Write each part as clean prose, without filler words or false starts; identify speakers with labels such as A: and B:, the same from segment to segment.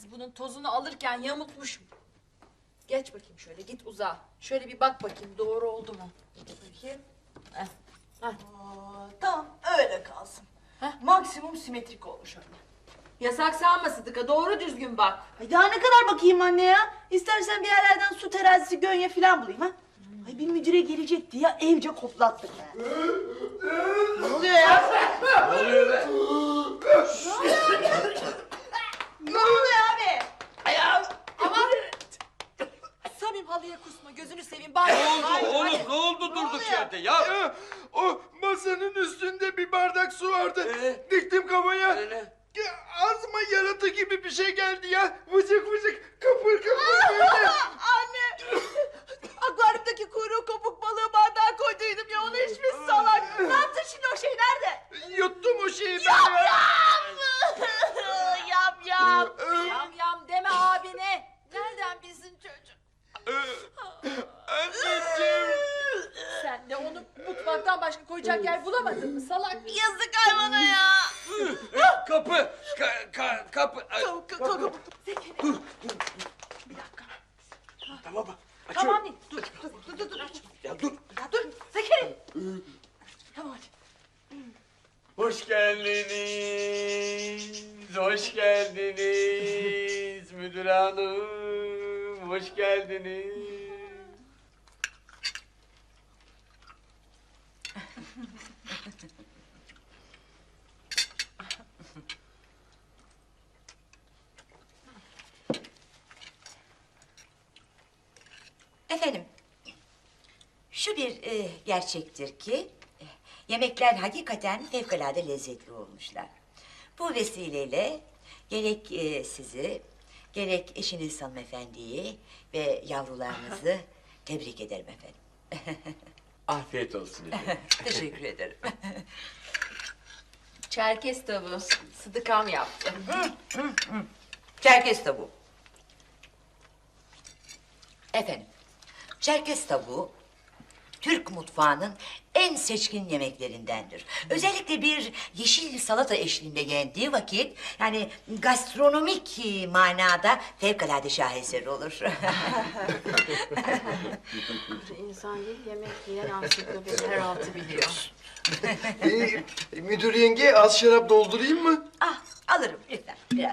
A: bunun tozunu alırken yamultmuşum. Geç bakayım şöyle, git uzağa. Şöyle bir bak bakayım, doğru oldu mu? Bakayım. Heh.
B: Aa, tamam öyle kalsın.
A: Heh.
B: Maksimum simetrik olmuş öyle.
A: Yasak sanma Sıdıka, doğru düzgün bak.
B: Ay daha ne kadar bakayım anne ya? İstersen bir yerlerden su terazisi, gönye falan bulayım ha? Ay bir müdüre gelecekti ya, evce koplattık ha. Ne oluyor ya?
C: Ne oluyor be?
B: Ne oluyor abi?
A: Aman! Samim halıya kusma, gözünü seveyim. Bari.
C: Ne oldu oğlum? Ne oldu durduk yerde ya?
D: O masanın üstünde bir bardak su vardı. Diktim kafaya.
C: Ne?
D: Ağzıma yaratı gibi bir şey geldi ya. Vıcık vıcık kıpır kıpır böyle.
B: Anne! Akvaryumdaki kuyruğu kopuk balığı bardağa koyduydum ya, onu içmiş salak. Ne yaptın şimdi, o şey nerede?
D: Yuttum o şeyi ben ya.
B: Yam yam!
A: Yam yam deme abine. Nereden bilsin çocuk?
D: Anneciğim.
A: Sen de onu mutfaktan başka koyacak yer bulamadın mı salak?
B: Yazık hayvana ya!
C: Kapı! Kapı! Ay,
B: Dur.
C: bir dakika. Tamam mı?
A: Tamam değil.
B: Dur.
C: Ya dur.
B: Ya dur, Zekeri! Tamam hadi.
C: Hoş geldiniz. Hoş geldiniz müdür hanım. Hoş geldiniz.
E: Efendim, şu bir gerçektir ki yemekler hakikaten fevkalade lezzetli olmuşlar. Bu vesileyle gerek sizi, gerek eşiniz hanımefendiyi ve yavrularınızı tebrik ederim efendim.
C: Afiyet olsun efendim.
E: Teşekkür ederim.
A: Çerkez tavuğu Sıdıkam yaptı.
E: Çerkez tavuğu. Efendim, Çerkez tavuğu Türk mutfağının en seçkin yemeklerindendir. Özellikle bir yeşil salata eşliğinde yendiği vakit yani gastronomik manada fevkalade şaheser olur.
A: İnsan değil, yemek yiyen ansiklopedi her altı biliyor.
D: Müdür yenge az şarap doldurayım mı?
E: Ah, alırım lütfen biraz.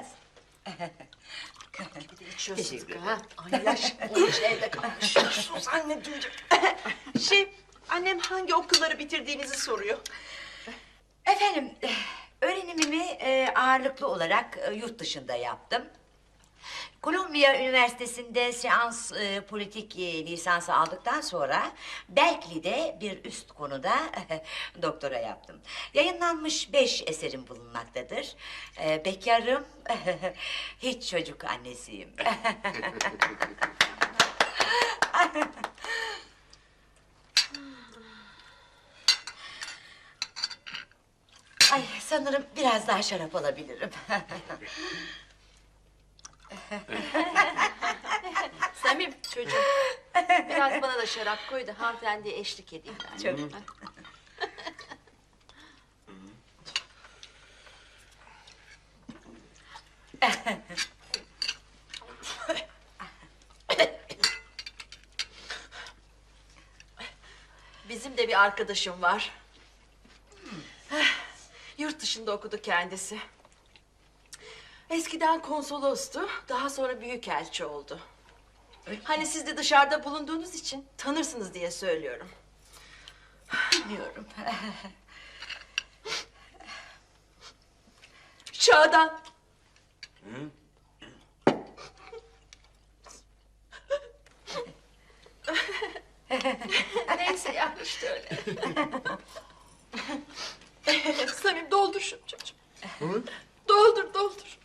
A: İçiyor
E: Teşekkür
A: Sıdıka ha. Ay yaş olmuş evde kalmış.
B: Sus anneciğim. Annem hangi okulları bitirdiğinizi soruyor.
E: Efendim, öğrenimimi ağırlıklı olarak yurt dışında yaptım. Kolombiya Üniversitesi'nde seans politik lisansı aldıktan sonra Berkeley'de bir üst konuda doktora yaptım. Yayınlanmış 5 eserim bulunmaktadır. Bekarım, hiç çocuk annesiyim. Ay, sanırım biraz daha şarap alabilirim.
A: Samim çocuğum. Biraz bana da şarap koy da hanımefendiye eşlik edeyim.
E: Çok.
A: Bizim de bir arkadaşım var. Yurt dışında okudu kendisi. Eskiden konsolostu, daha sonra büyükelçi oldu. Hani siz de dışarıda bulunduğunuz için tanırsınız diye söylüyorum.
E: Bilmiyorum.
A: Şadan. Neyse ya işte öyle. Samim doldur şunu çocuğum. Doldur.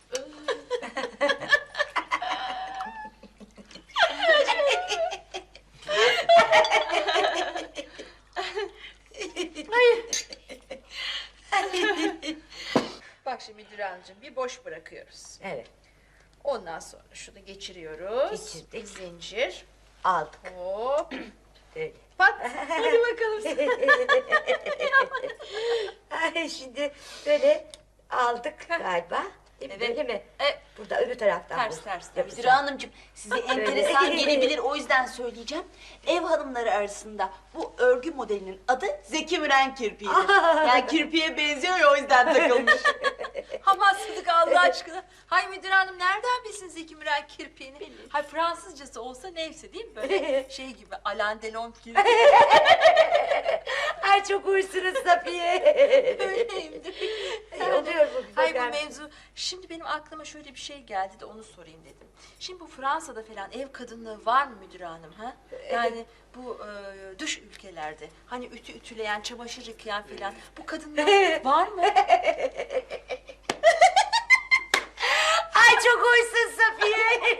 A: Bak şimdi Müdür Hanımcığım bir boş bırakıyoruz.
E: Evet,
A: Ondan sonra şunu geçiriyoruz.
E: Geçirdik.
A: Zincir.
E: aldık.
A: Hop.
E: Evet.
A: Pat. Hadi bakalım.
E: Ay, şimdi böyle aldık galiba. Değil mi?
A: Evet.
E: Böyle mi?
A: E,
E: Burada öbür taraftan.
A: ters
E: bu.
A: ters.
E: Yapacağım.
B: Müdür Hanımcığım size enteresan gelebilir o yüzden söyleyeceğim. Ev hanımları arasında bu örgü modelinin adı Zeki Müren kirpiğidir. Yani kirpiğe benziyor ya o yüzden takılmış.
A: Aman Sıdıka Allah aşkına. Hay müdür hanım nereden bilsin Zeki Müren kirpiğini? Hay Fransızcası olsa neyse değil mi? Böyle şey gibi Alain Delon gibi.
E: Ay çok uysunuz Safiye.
A: Öyleyimdir.
E: Oluyor bu güzel.
A: Hay bu mevzu. Şimdi benim aklıma şöyle bir şey geldi de onu sorayım dedim. Şimdi bu Fransa'da falan ev kadınlığı var mı müdür hanım ha? Yani bu dış ülkelerde hani ütü ütüleyen, çamaşır yıkayan falan bu kadınlar var mı?
E: Ay çok uysun Safiye.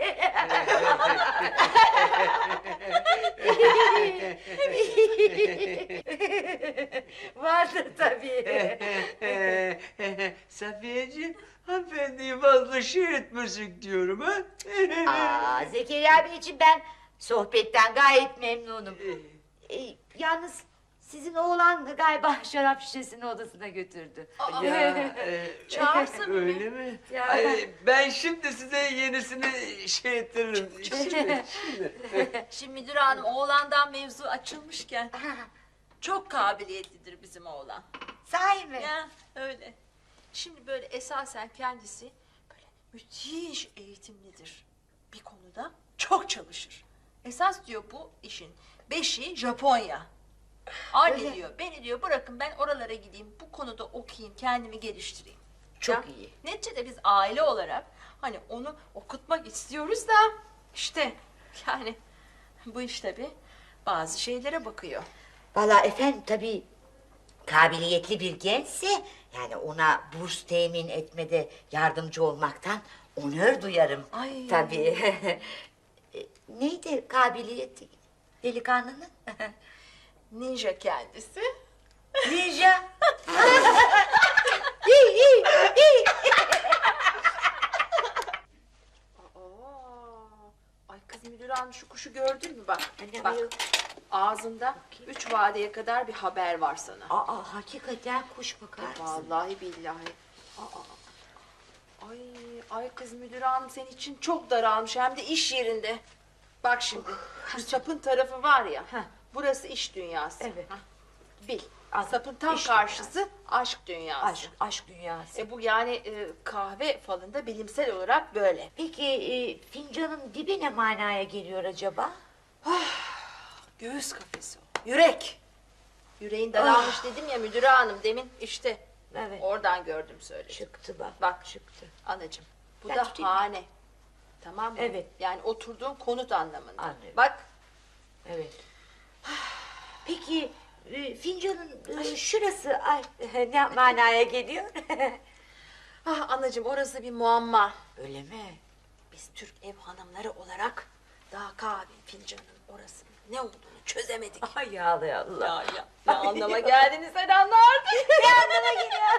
E: Vardır tabii.
C: Safiyeciğim, hanımefendiyi fazla şey etmesek diyorum ha.
E: Aa, Zekeriya Bey için ben sohbetten gayet memnunum. Yalnız sizin oğlan galiba şarap şişesini odasına götürdü.
A: Çağırsın mı?
C: Öyle mi?
E: Ya.
C: Ay, ben şimdi size yenisini şey ettiririm. Şimdi.
A: Şimdi müdür hanım oğlandan mevzu açılmışken çok kabiliyetlidir bizim oğlan.
E: Sahi mi?
A: Ya öyle. Şimdi böyle esasen kendisi böyle müthiş eğitimlidir. Bir konuda çok çalışır. Esas diyor bu işin beşiği Japonya. Anne
E: Öyle.
A: diyor beni diyor bırakın ben oralara gideyim bu konuda okuyayım kendimi geliştireyim.
E: Çok
A: Ya,
E: iyi.
A: Neticede biz aile olarak hani onu okutmak istiyoruz da işte yani bu iş tabii bazı şeylere bakıyor.
E: Vallahi efendim tabii kabiliyetli bir gençse yani ona burs temin etmede yardımcı olmaktan onur duyarım.
A: Ay.
E: Tabii. Neydi kabiliyeti delikanlının?
A: Ninja kendisi.
E: Ninja.
A: Ay kız müdür hanım şu kuşu gördün mü bak.
E: Anne,
A: Bak
E: ayol.
A: ağzında 3 vadeye kadar bir haber var sana.
E: Aa hakikaten kuş bakar mısın?
A: Vallahi billahi. Ay, ay kız müdür hanım senin için çok daralmış hem de iş yerinde. Bak şimdi şu sapın tarafı var ya. Burası iş dünyası.
E: Evet.
A: Hah, bil.
E: Anladım.
A: Sapın tam
E: İş
A: karşısı aşk dünyası.
E: Aşk dünyası.
A: Bu yani kahve falında bilimsel olarak böyle.
E: Peki fincanın dibi ne manaya geliyor acaba?
A: Göğüs kafesi o. Yürek. Yüreğin daralmış dedim ya müdür hanım demin işte.
E: Evet.
A: Oradan gördüm söyledim.
E: Çıktı bak.
A: Bak
E: Çıktı.
A: anacığım. Bu
E: Ben
A: da
E: tutayım mı?
A: hane. Tamam mı?
E: Evet.
A: Yani oturduğun konut anlamında.
E: Anlıyorum.
A: Bak
E: Evet. Peki fincanın şurası ay, ne manaya geliyor?
A: ah anacığım orası bir muamma.
E: Öyle mi?
A: Biz Türk ev hanımları olarak daha kahve fincanın orasının ne olduğunu çözemedik.
E: Ay Allah Allah.
A: Ya ne anlama geldiğini sen anlardın.
E: Ne anlama geliyor?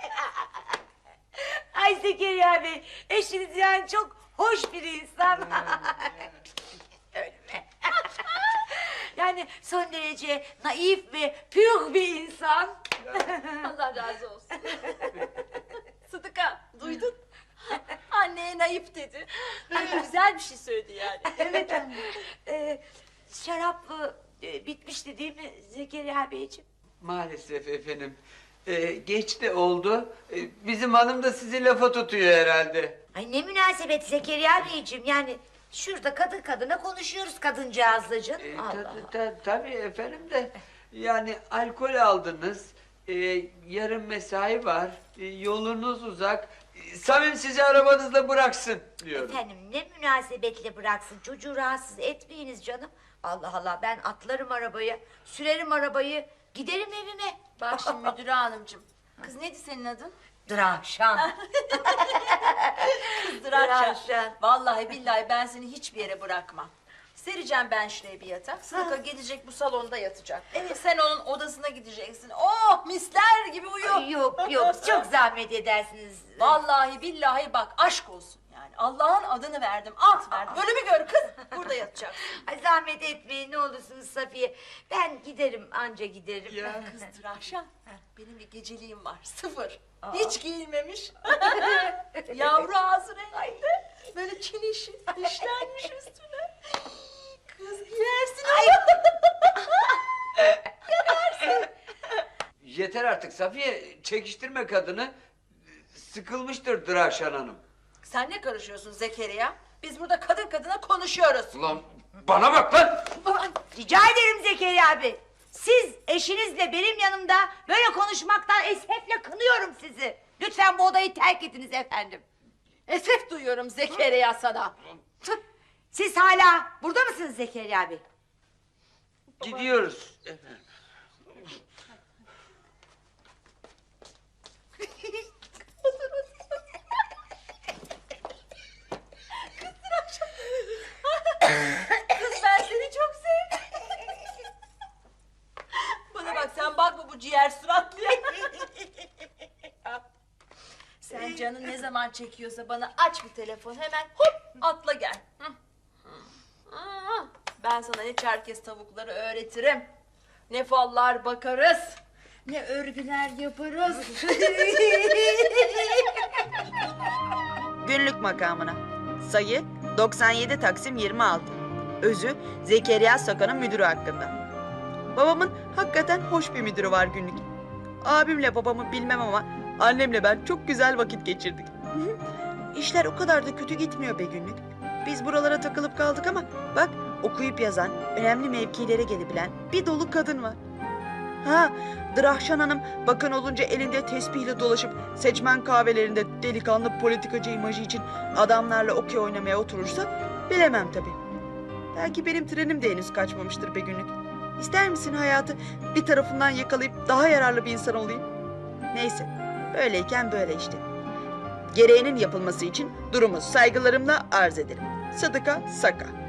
E: Ay Zekeriya Bey, eşiniz yani çok hoş bir insan. Öyle mi? Yani son derece naif ve pür bir insan.
A: Allah razı olsun. Sıdıka duydun? Anneye naif dedi. Ay, güzel bir şey söyledi yani.
E: Evet anne. Şarap bitmişti değil mi Zekeriya Beyciğim?
C: Maalesef efendim. Geç de oldu. Bizim hanım da sizi lafa tutuyor herhalde.
E: Ay ne münasebet Zekeriya Beyciğim yani şurada kadın kadına konuşuyoruz kadıncağızla canım. Allah.
C: Tabii efendim de yani alkol aldınız. Yarın mesai var. Yolunuz uzak. Samim sizi arabanızla bıraksın diyorum.
E: Efendim ne münasebetle bıraksın çocuğu rahatsız etmeyiniz canım. Allah Allah ben atlarım arabaya, sürerim arabayı, giderim evime.
A: Bak şimdi müdür hanımcığım. Kız neydi senin adın?
E: Dravşan.
A: Kızdıraçan.
E: Dravşan.
A: Vallahi billahi ben seni hiçbir yere bırakmam. Sereceğim ben şuraya bir yatak. Sıdıka gidecek bu salonda yatacak. Evet. Sen onun odasına gideceksin. Oh misler gibi uyu.
E: Ay, yok yok çok zahmet edersiniz.
A: Vallahi billahi bak aşk olsun yani. Allah'ın adını verdim, ant verdim. Ölümü gör kız. Burada yatacaksın.
E: Ay, zahmet etmeyin ne olursunuz Safiye. Ben giderim anca giderim.
C: Ya.
A: Kızdır Ahşan. Benim bir geceliğim var. Sıfır. Hiç giyilmemiş. Yavru ağzı renginde. Böyle çinişi dişlenmiş üstüne. Kız giyersin.
C: Yeter artık Safiye, çekiştirme kadını. Sıkılmıştır Draşan Hanım.
A: Sen ne karışıyorsun Zekeriya? Biz burada kadın kadına konuşuyoruz.
C: Ulan bana bak lan!
E: Rica ederim Zekeriya abi. Siz eşinizle benim yanımda böyle konuşmaktan esefle kınıyorum sizi. Lütfen bu odayı terk ediniz efendim.
A: Esef duyuyorum Zekeriya sana.
E: Siz hala burada mısınız Zekeriya abi?
C: Gidiyoruz.
A: Kız ben seni çok sevdim. Bana bak sen bakma bu ciğer suratlıya. Sen canın ne zaman çekiyorsa bana aç bir telefon hemen hop atla gel. Hı. Hı. Ben sana ne çerkez tavukları öğretirim. Ne fallar bakarız. Ne örgüler yaparız.
B: Günlük makamına. Sayı 97 Taksim 26. Özü Zekeriya Sakan'ın müdürü hakkında. Babamın hakikaten hoş bir müdürü var günlük. Abimle babamı bilmem ama annemle ben çok güzel vakit geçirdik. İşler o kadar da kötü gitmiyor be günlük. Biz buralara takılıp kaldık ama bak okuyup yazan, önemli mevkilere gelebilen bir dolu kadın var. Ha, Drahşan Hanım bakan olunca elinde tespihle dolaşıp seçmen kahvelerinde delikanlı politikacı imajı için adamlarla okey oynamaya oturursa bilemem tabii. Belki benim trenim de henüz kaçmamıştır be günlük. İster misin hayatı bir tarafından yakalayıp daha yararlı bir insan olayım? Neyse, böyleyken böyle işte. Gereğinin yapılması için durumu saygılarımla arz ederim. Sıdıka Saka.